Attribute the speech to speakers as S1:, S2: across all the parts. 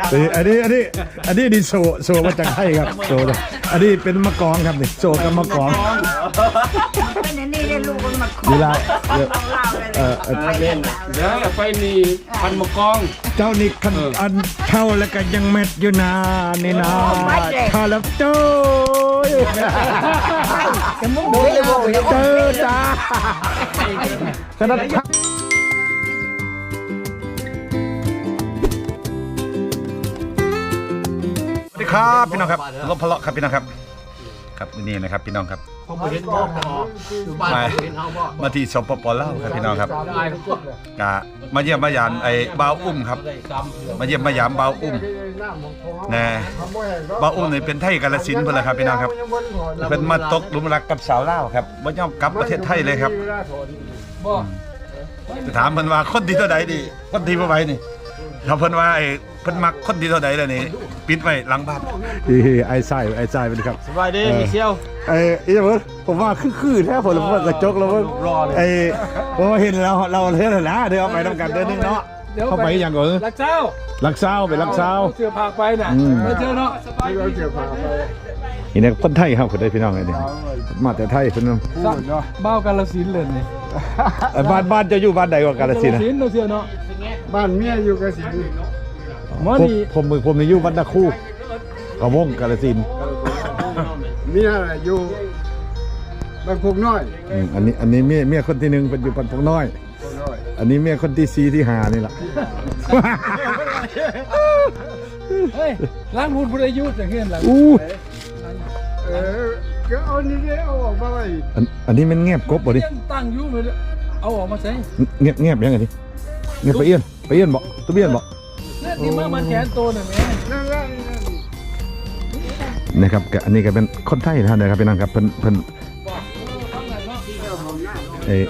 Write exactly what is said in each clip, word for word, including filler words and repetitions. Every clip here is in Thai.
S1: อันนี้อันนี้อันนี้ดิโซโซมาจากไทยครับโซอันนี้เป็นมะกองครับนี่โซกับมะกอง
S2: เป็นอันนี้ได้ลูกมันมาขอ
S1: เวลา
S2: เออเออไปเล่น
S3: เดี๋ยวไปนี่พันมะกอง
S1: เจ้านี่คันอันเท่าแล้วก็ยังเม็ดอยู่นานี่นะข้าแล้วเจ้า
S2: จะมุ่งดูเลยบอก
S1: เจอจ้าขนาดสวัสดีครับพี่น้องครับรบพะเลาะครับพี่น้องครับครับนี่นะครับพี่น้องครับมามาที่สปปลาวครับพี่น้องครับกะมาเยี่ยมมายามไอ้บ่าวอุ้มครับมาเยี่ยมมายามบ่าวอุ้มนะบ่าวอุ้มนี่เป็นไทยกาฬสินธุ์เพิ่นล่ะครับพี่น้องครับเพิ่นมาตกหลุมรักกับสาวลาวครับบ่ยอมกลับประเทศไทยเลยครับจะถามเพิ่นว่าคนที่เท่าใดดีคนที่บ่ไหวนี่ถ้าเพิ่นว่าไอ้เพิ่นมักคนที่เท่าใดแล้วนี่ปิดไว้หลังบ้านไอ้ไส้ไอ้ไส้เป็นครับ
S3: สบายดีมิเชียว
S1: ไอ้อีเพิ่นผมว่าคือๆแท้ผมว่ากระจกแล้วไอ้ผมเห็นเราเราเท่านั้นนะเดี๋ยวเอาไปทำกันเดินนึงเนาะเข้าไปอย่างก่อน
S3: ลักเจ้า
S1: ลักเศร้าไปลักเศร้า
S3: เสื้อผ้าไปน่ะไม่เจอเนาะสบายดีเสื้อผ้าไป
S1: นี่เนี่ยคนไทยครับคนได้พี่น้องไอ้นี่มาแต่ไทยคนนึง
S3: บ้าวกาฬสินธุ์เลยนี่
S1: บ้านบ้านจะอยู่บ้านใดกว่ากาฬสินธุ์นะ
S3: เสื้อเนาะบ้านเมียอยู่กาฬสินธุ์
S1: มอนี่ผมมือผมนี่อยู่บ้านตะคู่กระวงกาฬสินธุ์
S3: เมียอยู่บ้านพกน้อย
S1: อันนี้อันนี้เมียเมียคนที่หนึ่งเป็นอยู่บ้านพกน้อยอันนี้เมียคนที่สี่ที่ห้านี่แหละ
S3: เฮ้ยล้างหุ่นผู้อายุจะเห็นหลัง
S1: อู้
S3: เออก็เอานี่เอาออกมาไว้
S1: อันอันนี้มันเงียบกบบ่ดิ
S3: ตั้งอยู่เลยเอาออกมาใส่
S1: เงียบเงียบยังไงดิเงียบไปเอี้ยนไปเอี้ยนบ่ตัวเบี้ยนบ่
S3: นี่มามันแขนโตหน่อยแม่
S1: นะครับอันนี้ก็เป็นคนไทยท่านนะครับพี่น้องครับเพิ่นเพิ่นเอ้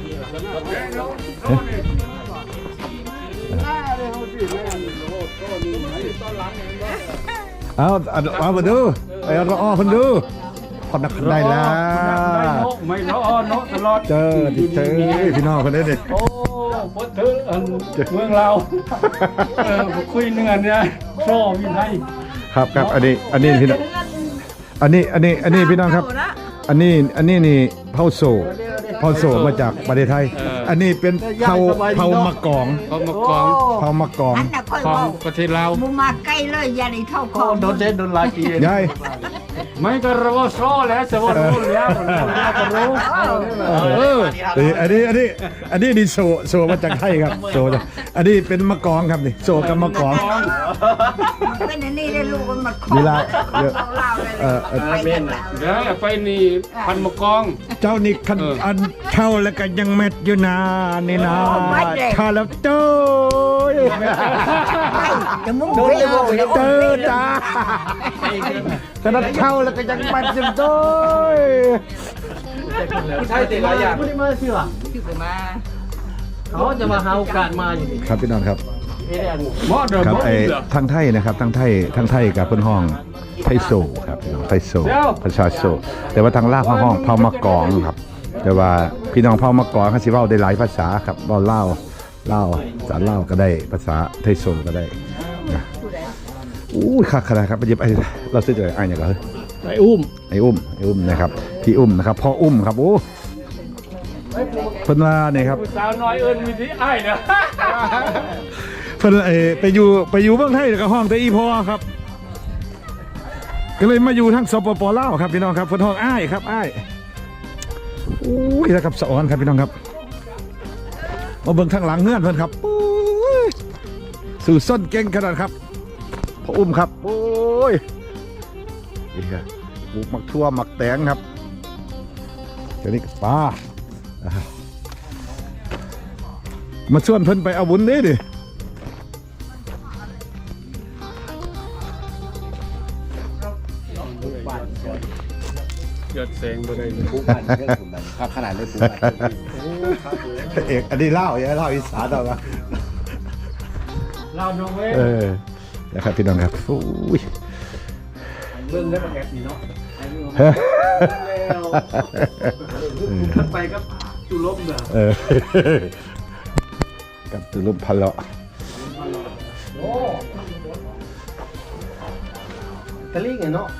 S1: เอาเอามาดูไอ้เราอ้อคนดูพอนักได้แล้ว
S3: ไม่เราอ้อเนาะตลอด
S1: เจอเจอพี่น้องคนนี้ดิ
S3: โอ้พดถือเมืองเราเออคุยเนื้อเนี่ยชอบพี่ไทย
S1: ครับครับอันนี้อันนี้พี่น้องอันนี้อันนี้อันนี้พี่น้องครับอันนี้อันนี้นี่เผาโซเผาโซมาจากประเทศไทยอันนี้เป็นเผาเผามะกอง
S3: เผามะกอง
S1: เผามะกอง
S3: ของประเทศลาว
S2: มึงมาใกล้เลยอย่าได้เท่าคอ
S3: โดนเด็ดโดนลายปี
S1: ยาย
S3: ไม่ก็รู้ว่าโซ่แล้วจะว่ารู้แล้วก็รู้
S1: เอออันนี้อันนี้อันนี้นี่โซโซมาจากไทยครับโซอันนี้เป็นมะกองครับนี่โซกับมะกอง
S2: เป็นอันนี้ได้ลูกมันมาขอ
S1: เวลา
S2: เออไปเล่น
S3: เดี๋ยวไปนี่พันมะกอง
S1: เจ้านี่คันอันเท่าแล้วก็ยังเม็ดอยู่นานี่นะข้าแล้วเจ้า
S2: จะมุ่งดูเลยบอก
S1: เจอจ้าขนาดเท่าแล้วก็ยังเม็ดอยู่ด้วย
S3: ผู้ชายติดหลายอย่างผู้ที่มาเชื่อ
S2: มา
S3: เขาจะมาหาโอกาสมาอย่างนี้
S1: ครับพี่น้องครับครับไอ้ทางไทยนะครับทางไทยทางไทยกับเพื่อนห้องไทยโซครับพี่น้องไทยโซประชาโซแต่ว่าทางลาวห้องเผามะกองครับแต่ว่าพี่น้องเผามะกองเขาสิเว้าได้หลายภาษาครับเว้าลาวลาวภาษาลาวก็ได้ภาษาไทยโซก็ได้นะอู้คักขนาดครับไปหยิบไอ้เราซื้อจากไอ้เนี่ยก็
S3: ไอ้อุ้ม
S1: ไอ้อุ้มไอ้อุ้มนะครับพี่อุ้มนะครับพ่ออุ้มครับโอ้เพิ่นว่าเนี่ยครับ
S3: สาวน้อยเอิญมีที่ไอ้เนาะ
S1: เพิ่นไอ้ไปอยู่ไปอยู่เมืองไทยกับห้องแต่อีพอครับก็เลยมาอยู่ทั้งสปปลาวครับพี่น้องครับเพิ่นห้องอ้ายครับอ้ายอู้ยแล้วกับสะออนครับพี่น้องครับมาเบิ่งทางหลังเงื่อนเพิ่นครับสู่ส้นเก่งขนาดครับพ่ออุ้มครับโอ้ยนี่ครับปลูกมักทั่วมักแตงครับเดี๋ยวนี้ป้ามาชวนเพิ่นไปเอาบุญนี่ดิ
S3: ยอดเสียงไปเลย
S4: ปูบ้านเรื่องผมแบบขนาดเลยปูบ้าน
S1: เอกอันนี้เล่าอย่าเล่าอีสานเอาละ
S3: เล่าน้องเว้ย
S1: เออนะครับพี่น้องครับโอ้ย
S3: เรื่องได้ประแกนี่เนาะไปกับจุลมเด้อ
S1: เออกับจุลมพันเลาะ
S4: ตะลิงไงเนาะ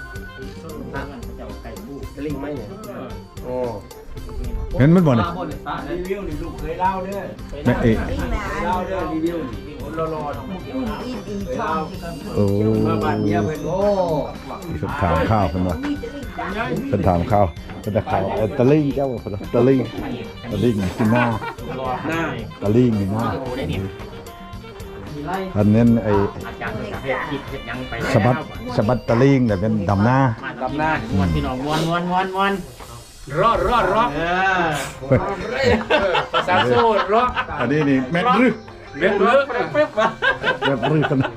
S4: ตะลิงไม่เนี่ยโอ้
S1: เห็นมันบ่เนี่ย
S3: รีวิวนี่ลูกเคยเล่าเด้อ
S1: แม่เอ๊ะ
S3: เล่าเด้อรีวิวคนรอรอ
S2: อีอีช่อง
S1: โอ้
S3: มาบ้านเมียเพิ่นโอ้
S1: เพิ่นถามข้าวเพิ่นว่าเพิ่นถามข้าวเพิ่นจะข้าวเอ่อตะลิงเจ้าเพิ่นว่าตะลิงตะลิงที่หน้า
S3: หน้า
S1: ตะลิงนี่หน้าอันนั้นไอ้สะบัดสะบัดตะลิงแต่เป็นดำหน้า
S3: กับหน้า
S5: ม้วนพี่น้องม้วนม้วนม้วนม้วน
S3: รอดรอดรอด
S5: เออ
S3: ภาษาโซ่รอด
S1: อันนี้นี่แม่นรึ
S3: เบ็ดเบ้อเป๊ะเป๊ะ
S1: แม่นรึกัน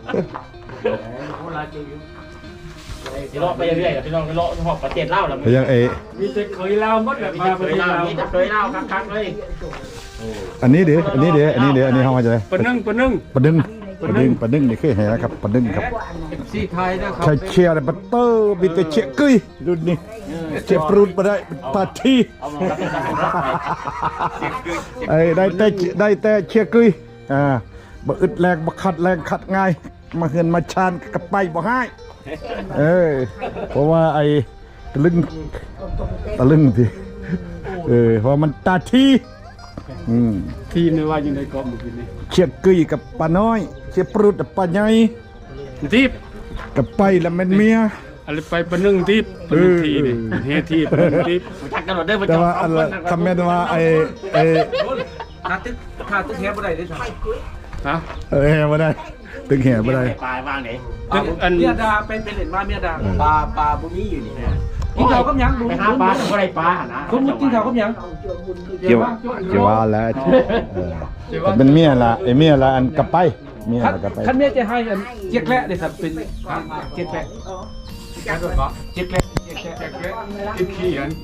S5: สิเลาะไปเรื่อยๆพี่น้องไปเลาะหอบประเทศเล่าแล้ว
S1: ไปยังไอ้
S3: มีแต่เคยเล่าหมดแบบ
S5: มี
S3: มา
S5: แต่
S3: ป
S5: เค
S3: ระ
S5: ย
S3: เทศ
S5: เล่า
S3: เรา
S5: มีแต่เคยเล่าคักๆเลย
S1: อันนี้เด้ออันนี้เด้ออันนี้เด้ออันนี้เฮามาจะได้
S3: ปนึ่งปนึ่ง
S1: ปะดึงปะดึงปะดึงนี่คือแห่นะครับปะดึงครับ
S3: ซีไทยนะครับ
S1: ใช้เชียร์บัตเตอร์มีแต่เชียร์กุ้ยรุ่นนี้เชียร์ปรุนมาได้ปาที
S5: เอามารับเป็นทหารรับไป
S1: ไอ้ได้แต่ได้แต่เชียร์กุ้ยอ่าบ่อึดแรงบ่ขัดแรงขัดง่ายมาเฮือนมาชานกับไปบ่ให้เออเพราะว่าไอ้ตะลึงตะลึงทีเออเพราะมันตาทีอืม
S3: ทีมในว่าอยู่ในกองเมื่อกี้นี้
S1: เชียร์กุ้ยกับป้าน้อยเชียร์ปรุนกับป้าใหญ่
S3: ทีบ
S1: กับไปแล้วแม่นเมีย
S3: อะไรไปปนึ่งทีบปนึ่งทีนี่เฮทีปนึ่งทีบ
S5: ทักกันหมดเด้อประ
S1: แต่
S5: จำ
S1: ว่าอันละคำแม่นว่าไอ้ไอ้
S3: ถ้าตึกถ้าตึกเฮบ่ได้ได้ฮะ
S1: เออแห่บ่ได้ตึงแห่บ่ได้
S5: ปลายวางไหน
S3: ตึกอัน
S6: เมียดาเป็นเป็นเหรียญว่าเมียดาปลาปลาบุมีอยู่นี่กิน
S5: กิน
S6: ข้า
S5: ข้าว ว
S6: กับหยัง
S5: ไปหาปลาก็ได้ปลานะ
S6: สมมุติกินข้าวกับหยัง
S1: เกี่ยวเกี่ยวว่าแล้วเออแต่เป็นเมียละไอ้เมียละอันกลับไปเมีย
S6: คัน
S1: ละกลับไป
S6: คันเมียจะให้อันเจี๊ยกแระเลยครับเป็นเจี๊ยกแระเจี๊ยกแระเจี๊ยกแระ
S3: กินขี้อัน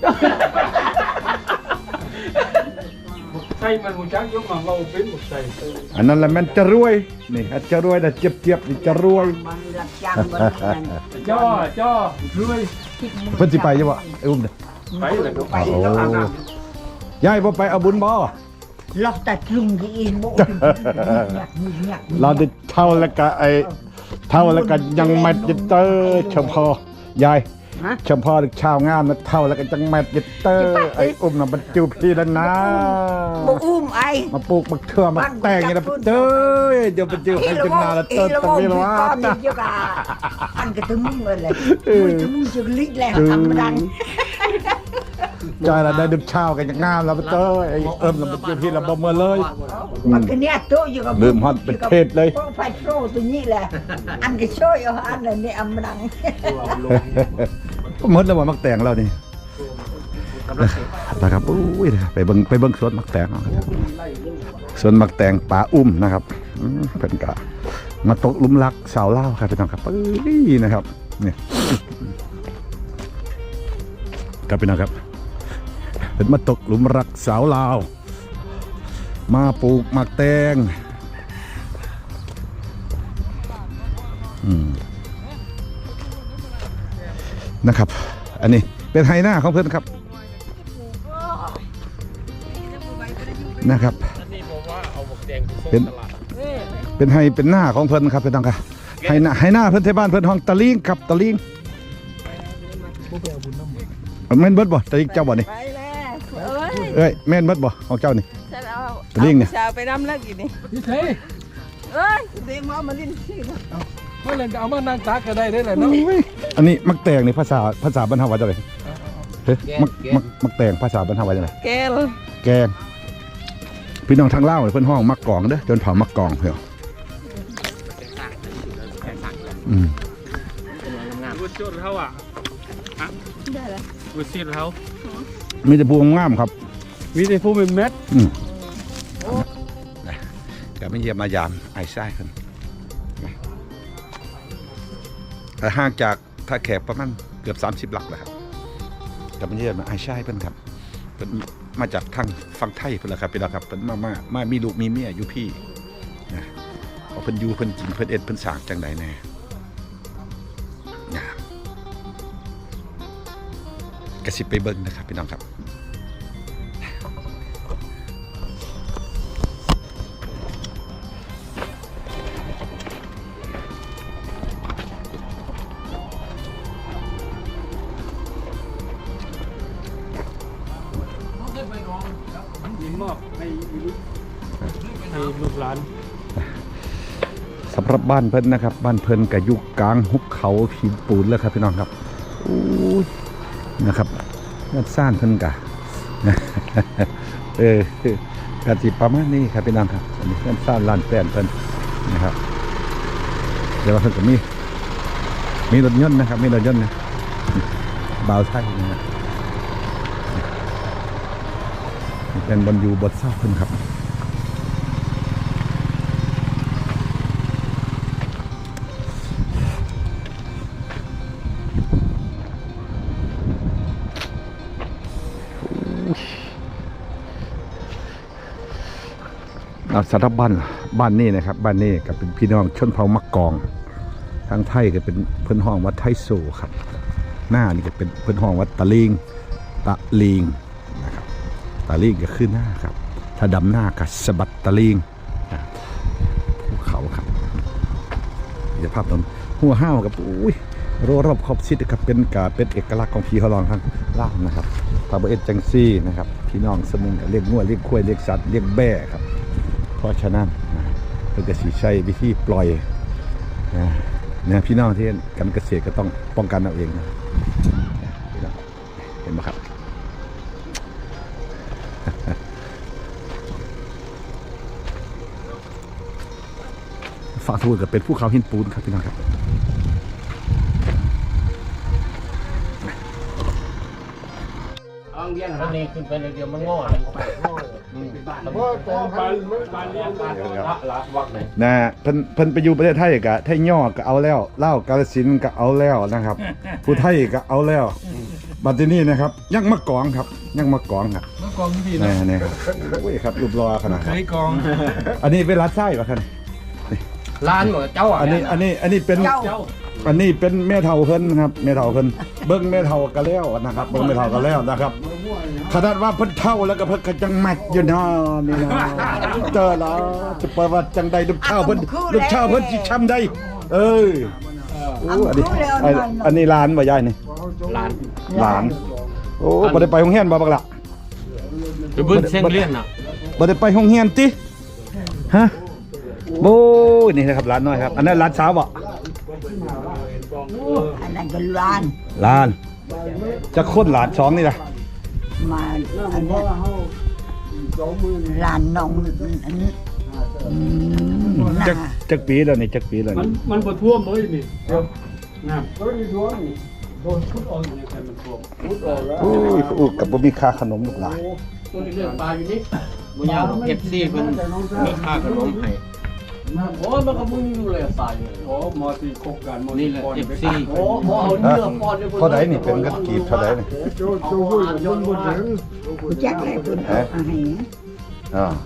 S3: ใช่มันหูจักยกมาเราเป็นหมดใส่
S1: อันนั้นแหละมันจะรวยนี่อันจะรวยแต่เจ็บเจ็บๆนี่จะรวย
S2: มันรับจ้างมันนั่น
S3: จ้อจ้อรวย
S1: เพิ่นสิไปจังบ่ไอ้อุ้มเด้อ
S3: ไปเลยครับ
S2: ไป
S1: โอ้
S2: แล้ว
S1: ยายบ่ไปเอาบุญบ่
S2: ล็อกแต่ลุงที่อินโบกหยักหยัก
S1: เราได้เท่าแล้วก็ไอ้เท่าแล้วก็ยังแมทยิตเตอร์เฉพาะยายเฉพาะชาวงามนะเท่าแล้วก็จังแมทยิตเตอร์ไอ้อุ้มน่ะบรรจุพี่แล้วนะ
S2: โบอุ้มไอ
S1: มาปลูกมะเขือมาแต่งอย่างนี้เด้อเดี๋ยวไปเจอให้จนนาละเติร์ตะวีละว่า
S2: ก้อนนี่เจ้าก็อันก็ถึงมึงเลยมึงจะมึงจะลิกแล้วทำดัง
S1: ใจละได้ดึกเช้ากันอย่างงามแล้วเต้ยไอ้เอิมแล้วไปเจอพี่ละบ่เมื่อเลย
S2: มันก็เนี่ยโตอยู่กับ
S1: ลืมฮอดเป็นเทศเลย
S2: ไฟโตตัวนี้แหละอันก็ช่วยเอาอันนั้นนี่อำดัง
S1: หมดแล้วว่ามักแต่งเรานี่นะครับอุ้ยไปเบิ่งไปเบิ่งสวนมักแต่งเอาครับสวนมักแต่งป่าอุ้มนะครับอืมเพิ่นก็มาตกหลุมรักสาวเล่าวครับพี่น้องครับเอ้ยนะครับนี่ครับพี่น้องครับเป็นมาตกหลุมรักสาวลาว มาปลูกหมักแตงอืมนะครับ อันนี้เป็นไฮหน้าของเพื่อนครับนะครับเป็นเป็นไฮเป็นหน้าของเพื่อนครับเป็นต้องครับไฮหน้าไฮหน้าเพื่อนที่บ้านเพื่อนห้องตะลิงครับตะลิงแม่นเบิดบ่ตะลิงเจ้าบ่นี่
S7: ไปแล้วเอ้ย
S1: เอ้ยแม่นเบิดบ่ของเจ้านี่
S7: ฉันเอา
S1: ตะลิงเนี่ย
S7: อาผู้สาวไปน้ำเลิกอยู่นี่
S3: พี่เท่
S7: เอ้ยเดี๋ยวมามาลิ้นที่นะ
S3: เมื่อไรจะเอามานั่งตักก็ได้ได้เลยเนาะ
S1: อันนี้มักแตงนี่ภาษาภาษาบรรเทาว่าจังไดเฮ้ยมักมักมักแตงภาษาบรรเทาว่าจังได
S7: แกล
S1: แกงพี่น้องทางเล่าวเพิ่นห้องมักกองเด้อจนเผามักกองเพิ่นอืม
S3: วุ้นจุดเขาอ่ะ
S7: ได้แล้ว
S3: วุ้นซีดเขา
S1: มีแต่พวงงามครับ
S3: มีแต่ผู้เป็นเม็ด
S1: อืมก็ไม่เยี่ยมมายามไอ้ไส้ครับแต่ห่างจากท่าแขกประมาณเกือบสามสิบหลักแล้วครับก็ไม่เยี่ยมมาไอ้ไส้เพิ่นครับเพิ่นมาจากทางฝั่งไทยเพิ่นละครับพี่น้องครับเพิ่นมามามามีลูกมีเมียอยู่พี่นะเอาเพิ่นอยู่เพิ่นกินเพิ่นเอ็ดเพิ่นสร้างจังใดแน่นะกระสิบไปเบิ่งนะครับพี่น้องครับ
S3: ให้ให้ลูกหลาน
S1: สำหรับบ้านเพิ่นนะครับบ้านเพิ่นกับยุคกลางหุบเขาหินปูนแล้วครับพี่น้องครับอู้ยนะครับงานสร้างเพิ่นกะ เออกะสิประมาณนี้ครับพี่น้องครับอันนี้งานสร้างลานแป้นเพิ่นนะครับเดี๋ยวว่าเพิ่นก็มีมีรถยนต์นะครับมีรถยนต์นะบ่าวไทยนะเป็นบนอยู่บนเสาเพิ่นครับสำหรับบ้านบ้านนี้นะครับบ้านนี้ก็เป็นพี่น้องชนเผ่ามักกองทางไทยก็เป็นเพิ่นห้องวัดไทโซครับหน้านี่ก็เป็นเพิ่นห้องวัดตะลิงตะลิงนะครับตะลิงก็คือหน้าครับถ้าดำหน้าก็สะบัดตะลิงภูเขาครับจะภาพตรงหัวห้าวกับอุ้ยโรรอบขอบชิดครับเป็นกาเป็นเอกลักษณ์ของพี่เขาลองทั้งล่างนะครับพาเบเอ็ดจังซี่นะครับพี่น้องสมุนกับเรียกงัวเรียกควายเรียกสัตว์เรียกแบ่ครับเพราะฉะนั้นเพื่อจะสีใช้วิธีปล่อยนะพี่น้องที่การเกษตรก็ต้องป้องกันเอาเองนะเห็นไหมครับฝั่งทูนก็เป็นภูเขาหินปูนครับพี่น้องครับ
S5: เอาเลี้ยงอันนี้ขึ้นไปเดี๋ยวมันงอเลย
S1: นะเพิ่นเพิ่นไปอยู่ประเทศไทยกะไทยย่อก็เอาแล้วเล่ากาฬสินธุ์ก็เอาแล้วนะครับผู้ไทยก็เอาแล้วบัดนี้นะครับยังมะกองครับยังมะกองครับ
S6: มากองที่
S1: นี่นี่ครับโอ้ยครับรูปรอขนาดครับ
S6: ไอ้กอง
S1: อันนี้เป็นรัดไส้ป่ะครับ
S5: ร้านหมดเจ้าอ่ะ
S1: อันนี้อันนี้อันนี้เป็นอันนี้เป็นแม่เฒ่าเพิ่นครับแม่เฒ่าเพิ่นเบิ่งแม่เฒ่าก็แล้วนะครับเบิ่งแม่เฒ่าก็แล้วนะครับขนาดว่าเพิ่นเฒ่าแล้วก็เพิ่นก็จังแม็กอยู่เนาะนี่นะเจอแล้วจะเปิดว่าจังใดลูกเฒ่าเพิ่นลูกเฒ่าเพิ่นสิช้ำได้เอ้ยโอ้อันนี้อันนี้หลานบ่ยายนี่
S5: ร้าน
S1: หลานโอ้บ่ได้ไปโรงเรียนบ่บักล่ะ
S5: ไปเบิ้ลเส้นเลี้ยนอ่ะ
S1: บ่ได้ไปโรงเรียนติฮะโอ้ยนี่นะครับร้านน้อยครับอันนั้นร้านสาวบ่
S2: อันนั้นก็ร้าน
S1: ร้านจะค้นหลานสองนี่ล่ะ
S2: มาอันนี้ร้านน้องอันนี้
S1: จักจักปีแล้วนี่จักปีแล้ว
S3: มัน
S1: นี่
S3: มันบ่ท่วมเลยนี่เดี๋ยวน้ำก็มีท่วมนี่โดนพุดออกอยู่ในแผ่นมันท่วมพุดออกแล้ว
S1: โอ้ยอู้กับบ่มีค่าขนมลูกหลาน
S5: ตัวนี้เรื่องปลาอยู่นี่บุญยาวเอฟซีเพิ่นมีค่าขนมให้โอ้มันก็มึงอยู่เลยตายเลย
S3: โอ้มอสีคบกันมอ
S5: นี่แหละ
S3: ป้อน
S5: เอฟ
S3: ไป
S5: ซีโอ้หมอเอาเนื้อป้อนด้วย
S1: เท่าใดนี่เป็นเงินกีบเท่าใดนี่
S2: แจ็คให้คุณเอาให้
S1: อ่า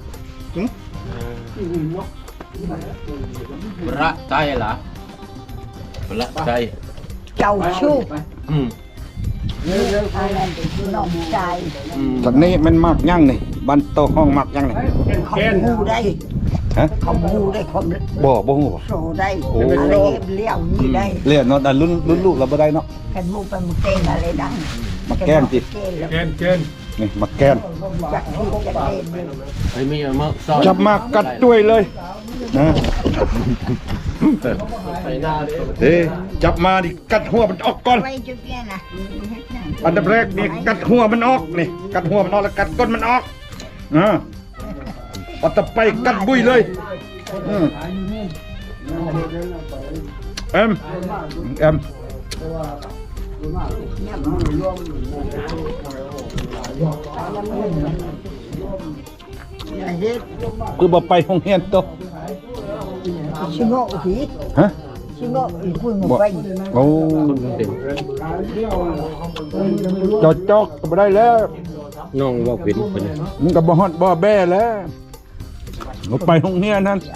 S5: ประใจเหรอประใจ
S2: เจ้าชู้
S5: อืม
S2: อันนั้นเป็นน้องชาย
S5: อืม
S1: จากนี้มันมักยังนี่บ้านโตห้องมักยังนี่
S2: เขาหูได้
S1: ฮะ
S2: เขาหูได้เขา
S1: บ่บ่ฮู้บ่
S2: โซได้
S1: โอ้
S2: อะไรเลี้ยวนี่ได้
S1: เรียนเนาะแต่รุ่นรุ่นลูกเราบ่ได้เนาะ
S2: กันมูไปมุเต้นอะไรดัง
S1: มาแกล้งสิ
S2: เต้นแล้ว
S3: เกณฑ์เกณฑ์
S1: นี่มาแกล้ง
S2: จากที่จะเล่นเลย
S5: ไอ้มีเอามาซ่อน
S1: จับมากัดด้วยเลยนะ
S5: ใส่หน้าเลย
S1: เอ้จับมาดิกัดหัวมันออกก่อน
S2: ไว้จุดเนี้ยนะ
S1: อันดับแรกนี่กัดหัวมันออกนี่กัดหัวมันออกแล้วกัดก้นมันออกอ่าเอาต่อไปกัดบุ้ยเลยอืมเอ็มเอ็ม
S2: เฮ็ด
S1: คือบ่ไปโรงเรียนโต
S2: ชิโง่ผี
S1: ฮะ
S2: ชิโง่อีคุยหม
S1: บ่
S2: ไป
S1: โอ้จอดจอกก็บ่ได้แล้ว
S5: น้องบอกเป็นเป็น
S1: มันก็บ่ฮอดบ่แบ้แล้วบ่ไปโรงเรียนนั่น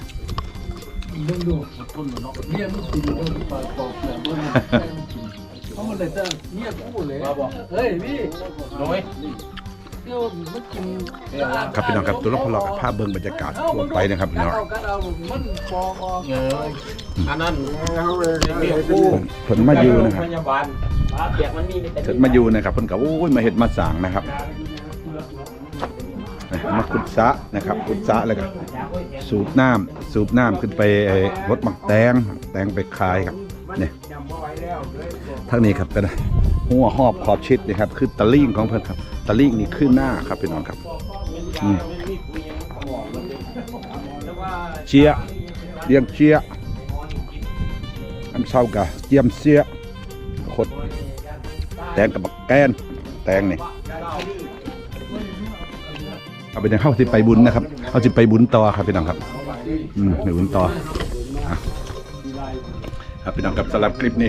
S3: เขามันเลยจะเงียบพูดเลยเฮ้ยพี่
S5: น้อย
S3: เดี๋ยวมันกิน
S1: ครับพี่น้องครับตัวละครเรากับภาพเบิ่งบรรยากาศทั่วไปนะครับพี่น้อง
S3: เอากันเอามันปอกออก
S5: เอออันนั้นเปียกปู
S1: เพิ่นมาอยู่นะครับ
S5: พยาบาลเปียกมันมีแต่
S1: เพิ่นมาอยู่นะครับเพิ่นก็โอ้ยมาเฮ็ดมาสร้างนะครับมาขุดสระนะครับขุดสระแล้วก็สูบน้ำสูบน้ำขึ้นไปไอ้รถหมักแตงแตงไปขายครับเนี่ยทางนี้ครับเป็นหัวหอบขอบชิดนะครับคือตะลิ่งของเพิ่นครับตะลิ่งนี่ขึ้นหน้าครับพี่น้องครับอืมเชียเลี้ยงเชียอันเศร้ากะเจียมเสียขดแตงกับบักแกนแตงนี่เอาไปเดี๋ยวเข้าที่ไปบุญนะครับเข้าที่ไปบุญต่อครับพี่น้องครับอืมไปบุญต่ออ่ะครับพี่น้องครับสำหรับคลิปนี้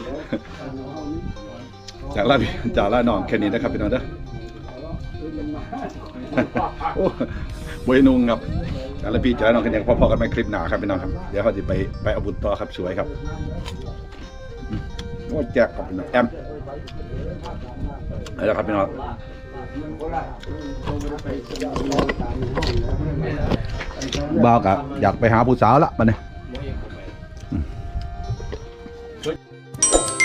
S1: จากลาพี่จากลาน้องแค่นี้นะครับพี่น้องเด้อ โอ้บวยนุงครับจากลาพี่จากลาน้องแค่นี้พอๆกันไหมคลิปหนาครับพี่น้องครับเดี๋ยวเขาจะไปไปเอาบุญต่อครับสวยครับโอ้แจกครับพี่น้องแอมเอาละครับพี่น้องบ่าวกะอยากไปหาผู้สาวละมาเนี่ย